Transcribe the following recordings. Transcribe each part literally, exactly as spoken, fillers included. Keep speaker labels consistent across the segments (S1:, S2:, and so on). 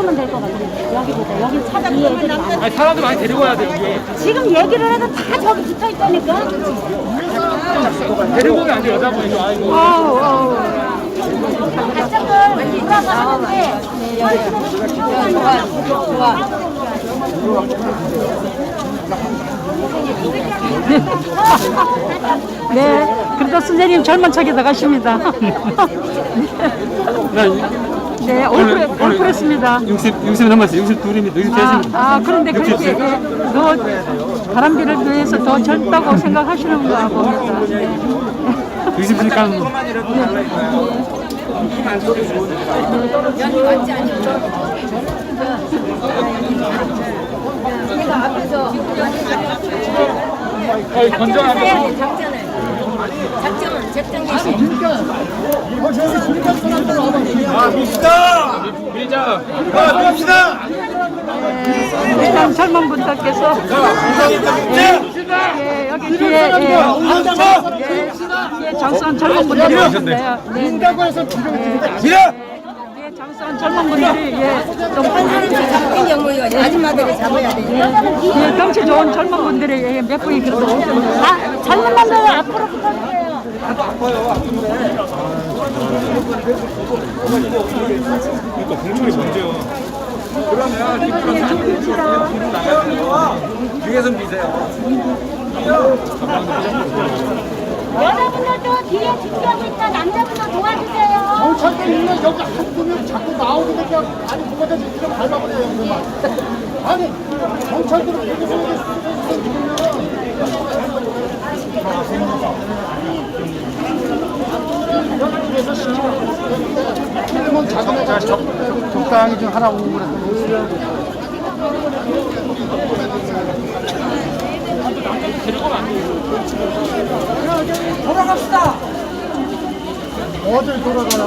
S1: 그러면 될 것 같아요. 여기보다 여기 차 뒤에 애들이 많아.
S2: 아니, 사람들 많이 데리고 와야 돼, 여기.
S1: 지금 얘기를 해도 다 저기 붙어 있다니까.
S2: 데리고 오면 안 돼, 여자분이. 아이고.
S1: 아우 아우. 바짝을 돌아가는데 좋아 좋아. 네, 그래도 선생님 젊은 척이 나가십니다. 네, 올프레, 올프레스입니다.
S2: 육십, 육십 넘었어요. 육십이입니다. 육십삼입니다.
S1: 아, 아, 그런데 그렇게 예, 더 바람비를 위해서 더 젊다고 생각하시는가 봅니다.
S2: 육십이니까.
S3: 내가 앞에서
S2: 거의 건전하게.
S3: 작전을 작전은 작전 개시.
S4: 아, 밉시다!
S2: 밀자.
S4: 아, 밉시다!
S1: 일단 젊은 분들께서 예, 여기 뒤에 예, 뒤에 장수한 젊은 분들이 오셨네요. 네, 네.
S4: 지라!
S1: 뒤에 장수한 젊은 분들이 예, 좀
S3: 잡힌 경우에 아줌마들이 잡아야 돼.
S1: 예, 경치 좋은 젊은 분들이 예, 몇 분이 그래도 오셨네요. 아, 젊은 분들 앞으로 부탁드려요.
S2: 그러니까 공중이 문제요.
S4: 뒤에서 미세요.
S1: 여자분들도 뒤에 지켜니까 남자분들 도와주세요.
S5: 경찰들 있는 여기 한 분이 자꾸 나오게 되면 아니 그거다 이렇게 밟아버려요 그만. 아니 경찰들은 여기서 여기서 시키면 자기네 자 적당히 좀 하라고 그랬더니
S3: 돌아갑시다.
S5: 어딜 돌아가요?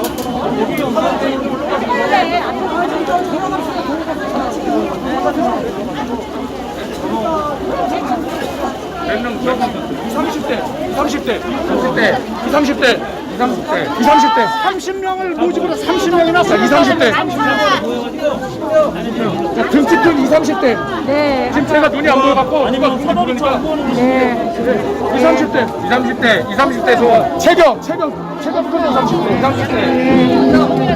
S2: 삼십 대, 삼십 대, 삼십 대, 삼십 대, 삼십 대, 삼십 대.
S5: 삼십 명을 모집으로 삼십 명이나 써.
S2: 이십, 삼십 대. 등치 큰 이십, 삼십 대.
S1: 네,
S2: 지금 제가 눈이 안 보여갖고 누가 눈이 보니까
S1: 네.
S2: 이십, 삼십 대, 이십, 삼십 대, 이십, 삼십 대 좋아. 체격, 체격, 체격 큰 이십, 삼십 대, 이십, 삼십 대.